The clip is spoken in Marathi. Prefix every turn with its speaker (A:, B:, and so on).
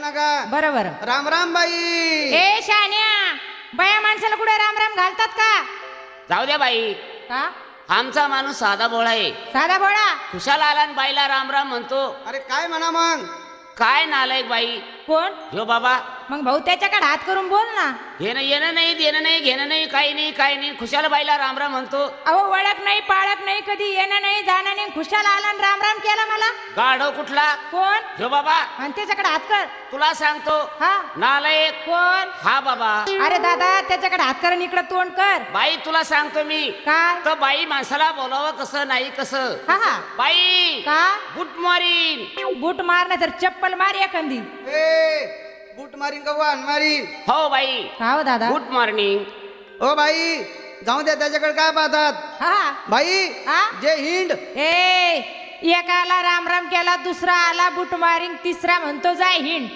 A: ना का
B: बरोबर.
A: राम राम बाई.
B: ए शान्या, बाया माणसाला कुठे राम राम घालतात का?
C: जाऊ द्या बाई,
B: का
C: आमचा माणूस साधा भोळा आहे.
B: साधा भोळा?
C: खुशाल आला आणि बाईला राम राम म्हणतो.
A: अरे काय म्हणा मग.
C: काय नालायक बाई
B: कोण?
C: ह्यो बाबा.
B: मग भाऊ त्याच्याकडे हात करून बोल ना.
C: घेणं येणं नाही, देणं नाही, घेणं नाही, काही नाही, काही नाही. खुशाल बाईला राम राम म्हणतो.
B: अहो ओळख नाही पाळख नाही, कधी येणं नाही जाणं नाही, खुशाल आला आणि राम राम केला मला.
C: गाढव कुठला?
B: कोण?
C: ह्यो बाबा.
B: आणि त्याच्याकडे हात कर.
C: तुला सांगतो
B: हा
C: नालायक.
B: कोण?
C: हा बाबा.
B: अरे दादा त्याच्याकडे हात कर आणि इकडे तोंड कर.
C: बाई तुला सांगतो मी.
B: काय?
C: तर बाई माणसाला बोलावं कसं नाही कसं.
B: हा हा.
C: बाई
B: का?
C: Good morning.
B: बूट मार नाही तर चप्पल मार एखादी.
A: ए बूट मारीन का वाहन मारीन.
C: हो बाई.
B: का हो दादा?
C: Good morning.
A: ओ बाई जाऊ द्या, त्याच्याकडे काय पाहतात.
B: हा
A: बाई
B: हा?
A: जे हिंड.
B: ए एकाला राम राम केला, दुसरा आला बूट मारिंग, तिसरा म्हणतो जाय हिंड.